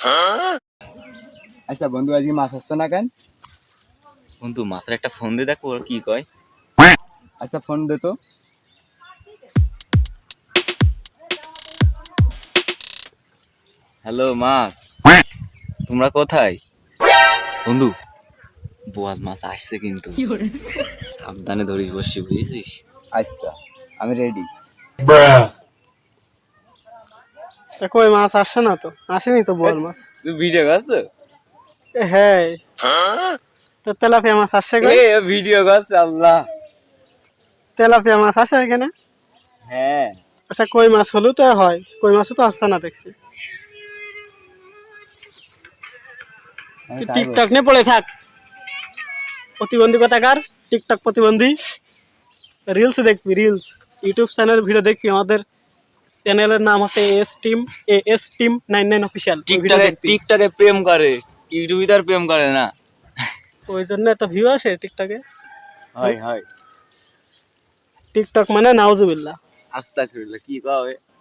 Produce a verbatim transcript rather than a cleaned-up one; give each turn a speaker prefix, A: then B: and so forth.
A: আচ্ছা বন্ধু আজকে মাছ আসছে না কেন?
B: বন্ধু মাছের একটা ফোন দিয়ে দেখো ওর কি কয়।
A: আচ্ছা ফোন দে তো।
B: হ্যালো মাছ, তোমরা কোথায়? বন্ধু বোয়াল মাছ আসছে কিন্তু, সাবধানে ধরিস বসছি, বুঝেছিস?
A: আচ্ছা আমি রেডি।
C: কই মাছ আসছে না তো, আসেনি তো বোয়াল মাছ।
B: তুই ভিডিও করছো?
C: এ হ্যাঁ, তো তেলাপিয়া মাছ আসছে কই?
B: এ ভিডিও করছে আল্লাহ।
C: তেলাপিয়া মাছ আসে এখানে?
B: হ্যাঁ
C: আচ্ছা কই মাছ হলো তো হয়, কই মাছও তো আসছে না দেখছি। তুই টিকটক নিয়ে পড়ে থাক, প্রতিবন্ধী কথাকার, টিকটক প্রতিবন্ধী। রিলস দেখবি, রিলস ইউটিউব চ্যানেল ভিডিও দেখবি। আমাদের চ্যানেলের নাম হচ্ছে S team, A S team nine nine official.
B: টিকটকে টিকটকে প্রেম করে, ইউটিউবে তার প্রেম করে না।
C: ওই জন্য এত ভিউ আসে টিকটকে।
B: হয় হয়,
C: টিকটক মানে নাউজুবিল্লাহ।
B: আস্তাগফিরুল্লাহ, কি কয়?